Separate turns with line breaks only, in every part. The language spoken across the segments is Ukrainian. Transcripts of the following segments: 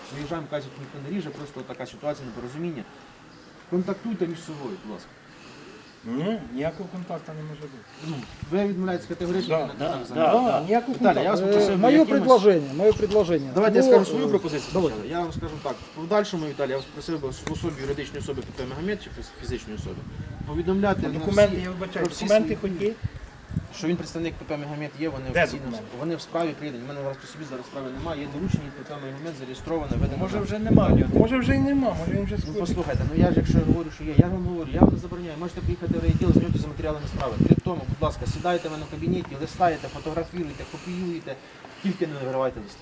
виїжджаємо, кажуть, ніхто не ріже, просто така ситуація, непорозуміння. Контактуйте між собою, будь ласка.
Ні, ніякого контакту не може бути.
Ну, ви відмовляєтесь категорично?
Ніякого
Віталій, я вас
контакту.
попросив
Мое предложение.
Давайте я
Ну,
скажу свою пропозицію.
давай.
спочатку. Я вам скажу так. В подальшому, Віталій, я вас просив би в особі юридичної особи КП Магомед чи фізичної особи повідомляти на
Документи,
всі-
я вибачаю,
про всі
документи
свої-
хоч є?
що він представник ПП Магомед є, вони
Де
офіційно,
документи?
вони в справі придані. У мене зараз по собі зараз справи немає, є доручення ПП Магомед зареєстроване, видано.
Може вже немає, може вже й нема, може він вже
Ну
скоро.
послухайте, ну я ж якщо говорю, що є, я вам говорю, я вам не забороняю, можете приїхати в райвідділ, знайомитися з матеріалами справи. Крім тому, будь ласка, сідайте в мене в кабінеті, листаєте, фотографіруйте, копіюєте, тільки не вигравайте листи.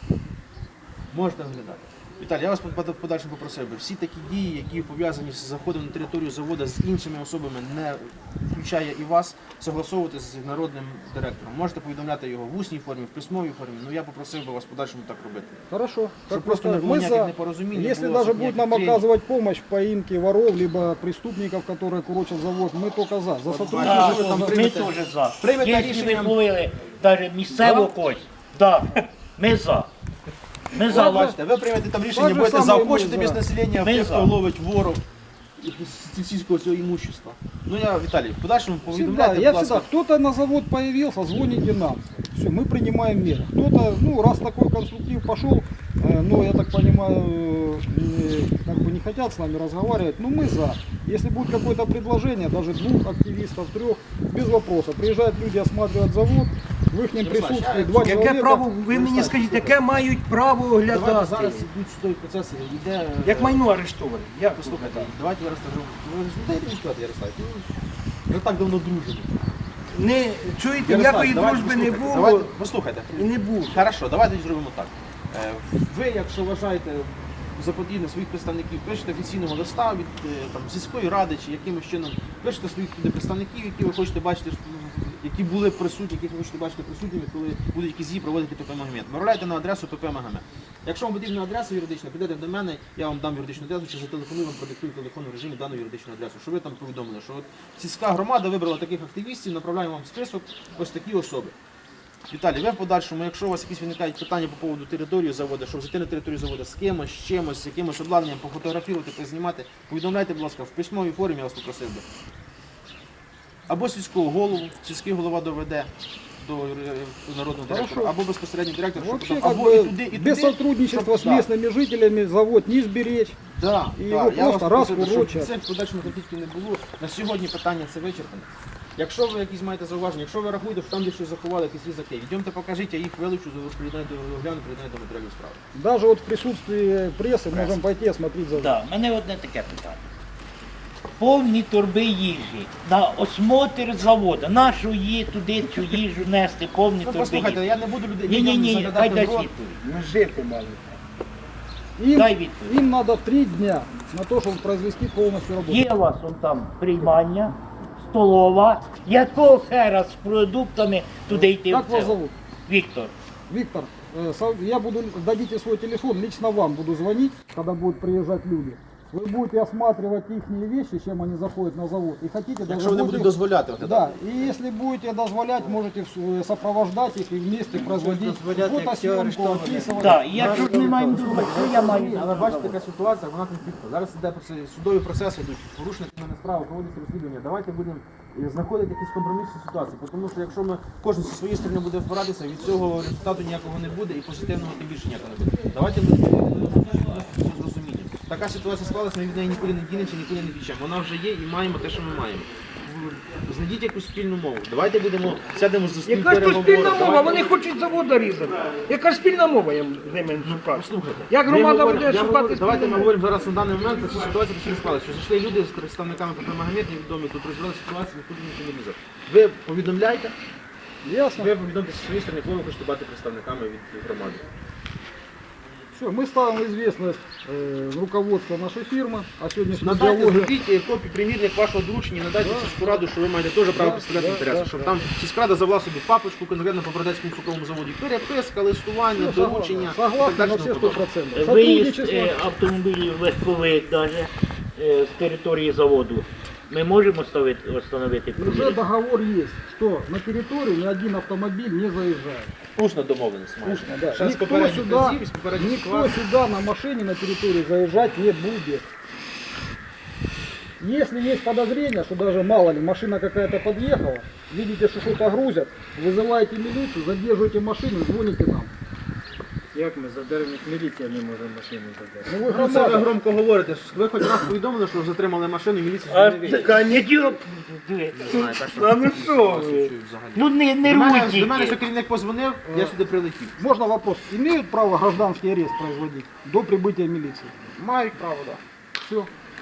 Можете оглядати. Віталій, я вас в подальшому попросив би, всі такі дії, які пов'язані з заходом на територію заводу з іншими особами, не включає і вас, согласовувати з народним директором. Можете повідомляти його в усній формі, в письмовій формі, ну я попросив би вас в подальшому так робити.
Хорошо.
Щоб
Как
просто
вы
не
скажете.
було
Мы
ніяких
за...
непорозумінь.
Если
не було,
даже
щоб
будет
ніяких
нам
тренів.
оказывать помощь в поимке воров, либо преступников, которые курочат завод, мы только за. За
Так,
сотрудничество.
ви там
Ми
приймете-
теж за.
приймете
Якщо
рішення-
ви зловили навіть місцеву когось, так, ми за. Ми за.
Бачите, ви приймете там рішення,
Так же
будете
саме і ми
заохочити
за.
без населення,
Ми
тих,
за.
хто ловить ворог сільського цього імущества. Ну я, Віталій, в подальшому
Всегда,
повідомляйте,
я
будь
всегда,
ласка.
кто-то на завод появился, звоните нам. Все, мы принимаем меры. Кто-то, ну, раз такой конструктив пошел, ну, я так понимаю, как бы не хотят с нами разговаривать, но мы за. Если будет какое-то предложение, даже 2 активистов, 3, без вопроса. Приезжают люди, осматривают завод, в их присутствии 2
Яке
человека.
право, ви мені скажіть, яке мають право
Давайте
оглядати?
зараз йдуть судові процеси, йде...
Як майно арештоване? Як
Послухайте, давайте я розкажу. Ви ж не дайте відповідь, Ярослав. Ми так давно дружимо.
Не чуєте,
Ярослав,
ніякої
давайте
дружби не
послухайте,
було
давайте- Послухайте.
і не буде.
Хорошо, давайте зробимо так. Ви, якщо вважаєте за потрібне своїх представників, пишете офіційного листа від там, сільської ради чи якимось чином, пишете своїх туди представників, які ви хочете бачити, які були присутні, яких ви хочете бачити присутніми, коли будуть якісь дії проводити ПП Магомед. Направляйте на адресу ПП Магомед. Якщо вам потрібна адреса юридична, підете до мене, я вам дам юридичну адресу, чи зателефоную вам, продиктую телефон в режимі дану юридичну адресу, щоб ви там повідомили, що от сільська громада вибрала таких активістів, направляємо вам список, ось такі особи. Віталій, ви в подальшому, якщо у вас якісь виникають питання по поводу території заводу, щоб зайти на територію заводу з кимось, з чимось, з якимось обладнанням, пофотографувати, познімати, повідомляйте, будь ласка, в письмовій формі, я вас попросив би. Або сільського голову, сільський голова доведе до народного директора,
Хорошо.
або безпосередньо директор, щоб
Вообще,
потім,
как
або і
бы,
туди, і туди.
без сотрудничества с
щоб- да.
местными жителями завод не сберечь.
Да,
І
да,
його
я
просто
вас
раз
просив, щоб
урочать.
це в подальшому конфліктів не було. На сьогодні питання це вичерпане. Якщо ви якісь маєте зауваження, якщо ви рахуєте, що там десь щось заховали, якісь різаки, йдемте покажіть, я їх вилучу, приєднаю до огляну, приєднаю до матеріалів справи.
Даже вот в присутствии прессы можем пойти осмотреть завод.
Так, в мене одне таке питання. Повні торби їжі на осмотр заводу. Нашу її туди цю їжу нести, повні
Ну
торби
послухайте,
їжі.
я не буду людей
Ні, хай
заглядати в
дасть
рот.
відповідь.
Ну, жити мали.
Им,
Дай відповідь.
им надо 3 дня на то, чтобы произвести полностью работу.
Є у вас он там приймання, столова, якого хера з продуктами туди йти
Как
в
вас
це?
зовут?
Віктор.
Виктор, я буду, дадите свой телефон, лично вам буду звонить, когда будут приезжать люди. Вы будете осматривать их вещи, чем они заходят на завод. И хотите даже
Якщо вони будуть
будете-
дозволяти.
Да, и если будете дозволять, можете сопровождать их и вместе производить фотосъемку, описывать.
Так, і якщо ж ми маємо думати, що я маю?
Але бачите, така ситуація, вона конфліктна. Зараз іде судові процеси йдуть, порушник на справу, проводиться розслідування. Давайте будемо знаходити якісь компромісні ситуації, тому що якщо ми кожен зі своєї сторони буде впиратися, від цього результату ніякого не буде і позитивного тим більше ніякого не буде. Давайте з розумінням. Така ситуація склалася, ми від неї нікуди не дінемося, нікуди не втічемо. Вона вже є і маємо те, що ми маємо. Знайдіть якусь спільну мову. Давайте сядемо за стіл
Яка ж то
переговорів.
спільна мова?
Давайте-
Вони хочуть заводу різати. Яка ж спільна мова, я з ними шукав?
Послухайте,
Як
ми
громада
говоримо-
буде
я
шукати
говорю, давайте
спільну
ми
мову?
говоримо зараз на даний момент про цю ситуацію, що не склалася. Що зайшли люди з представниками ПП Магомед, невідомі, тут розбирали ситуацію, ніхто ніхто не лізе. Ви повідомляйте,
Ясно?
ви повідомте зі своєї сторони, коли ви хочете бути представниками від громади.
Все, мы ставим в известность руководство нашей фирмы о сегодняшнем
Надайте,
диалоге.
зробіть копію примірник вашого доручення, надайте в сільську раду, що ви маєте теж право представляти інтереси, щоб там сільська рада завела собі папочку конкретно по Бродецькому цукровому заводі. Переписка, листування, доручення. і так
Согласны
далі,
на
тому
все
подобне.
100%.
Виїзд
Сотрудничество.
автомобілів легкових навіть з території заводу. Ми можемо встановити
Уже
пробіг?
договор есть, что на территорию ни один автомобиль не заезжает.
Усно домовленість маєте.
Вкусно, да.
Ще з
Никто
попередніх
сюда,
разів, з попередніх
никто
ситуацій.
сюда на машине на территорию заезжать не будет. Если есть подозрение, что даже мало ли машина какая-то подъехала, видите, что что-то грузят, вызываете милицию, задерживаете машину, звоните нам.
Як ми задержимо, міліція не може машину задержати.
Ну вы
Ну, це ви
громада.
громко говорите. Ви хоч раз повідомили, що затримали машину, і міліція
А
сюди не вийде.
така не
Нічого.
А ну що ви?
Ну не
До мене,
рвуть
до мене
тільки.
що керівник позвонив, я сюди прилетів.
Можно вопрос? Имеют право гражданский арест производить до прибытия милиции?
Мають право, так.
Все.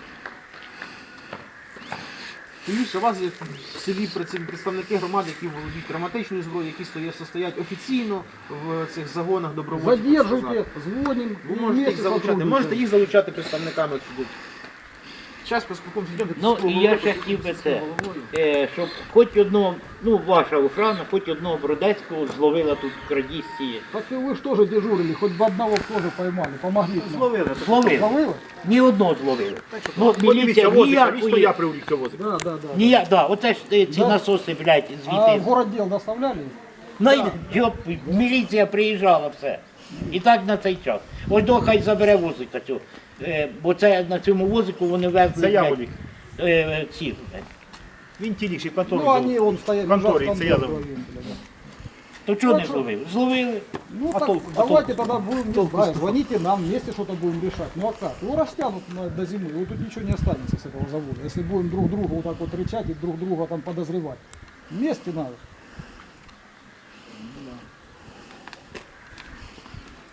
Тим більше у вас є в селі представники громади, які володіють травматичною зброєю, які стоять офіційно в цих загонах добровольчих.
Задерживайте, звоним,
Ви
и
можете їх
вместе
залучати,
сотрудничаем.
можете їх залучати представниками сюди. Зараз поспілкуємося. йдемте,
Ну
з
і я ще хотів би це, щоб хоч одного, ну ваша охрана, хоч одного Бродецького зловила тут в крадісті.
Так и вы что же дежурили, хоть бы одного тоже поймали, помогли нам.
Зловили.
Зловили.
Зловили?
Ні одного зловили. Ну, міліція ніякої...
привлікся возик.
Да, да, да.
Ніяк, да, оце ж ці
Да.
насоси, блядь,
А в
звідти.
городдел доставляли?
Ну, міліція приїжджала все. І так на цей час. Ось до хай забере возика цього. Бо це на цьому возику вони везли.
Це я
блядь,
возик.
ці.
Він тіліший,
Ну,
контору.
они, он стоял,
Конторе,
лежал в
це я
конторе.
забув.
То чого не
Ну, що?
зловили? Зловили.
Ну
А
так,
толку?
давайте тогда будем, не знаю, звоните нам, вместе что-то будем решать. Ну а как? Его растянут до зимы, вот тут ничего не останется с этого завода. Если будем друг друга вот так вот рычать и друг друга там подозревать. Вместе надо.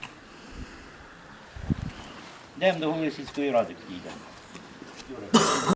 Йдемо до голови сільської ради, підійдемо.